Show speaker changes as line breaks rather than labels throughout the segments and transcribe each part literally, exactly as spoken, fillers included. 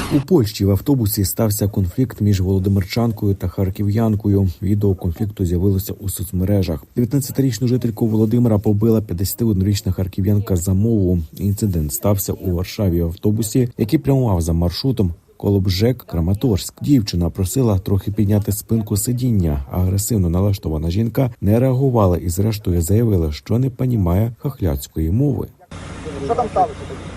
У Польщі в автобусі стався конфлікт між володимирчанкою та харків'янкою. Відео конфлікту з'явилося у соцмережах. дев'ятнадцятирічну жительку Володимира побила п'ятдесятиоднорічна харків'янка за мову. Інцидент стався у Варшаві в автобусі, який прямував за маршрутом Колобжек-Краматорськ. Дівчина просила трохи підняти спинку сидіння. Агресивно налаштована жінка не реагувала і зрештою заявила, що не понімає хохляцької мови.
Що там сталося?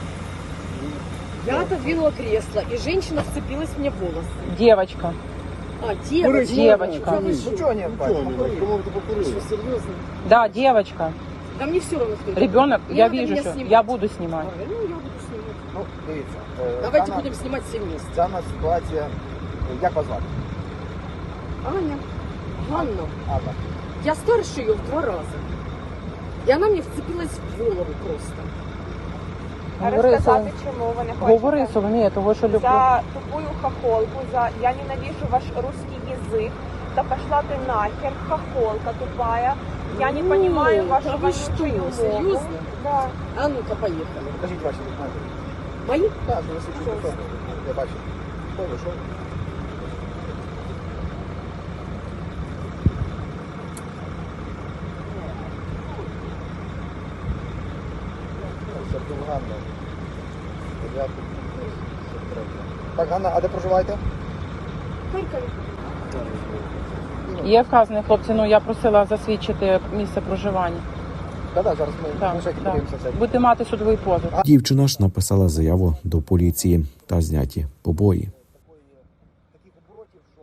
Я отодвинула кресло, и женщина вцепилась мне в волосы.
Девочка.
А, девочка.
Девочка.
Ну чого не
Что, серьезно?
Да, девочка.
Да мне все равно, кто это.
Ребенок,
Не
я
надо
вижу,
меня
что
снимать.
я буду снимать.
А, ну, я буду снимать.
Ну, дивіться. е,
Давайте
дана-
будем снимать все вместе.
Дана ситуація, як вас звати?
Аня, Ганна,
Анна.
я старше ее в два раза. И она мне вцепилась в голову просто.
Говори,
Розказати,
Сол-
чому ви не хочете?
Говори, Соломія, того, що люблю.
За тупую хохолку, за «я ненавижу ваш русский язык», да пошла ты нахер, хохолка тупая, я не
Ну,
понимаю вашу
да вы что,
вонючую мову.
серьезно?
Да.
А ну-ка, поехали.
Покажіть ваші документи.
Мои?
Так, ви свідчите особи. Я бачу. Хто ви, що ви? Сергій Ганна. дев'яте, сорок три. Так, Ганна, а де проживаєте?
В Харькове.
Є вказаний, хлопці, ну я просила засвідчити місце проживання.
Так, так, зараз ми
Так,
ми ще
так.
подивимося це.
Будете мати судовий позов.
Дівчина ж написала заяву до поліції та зняті побої.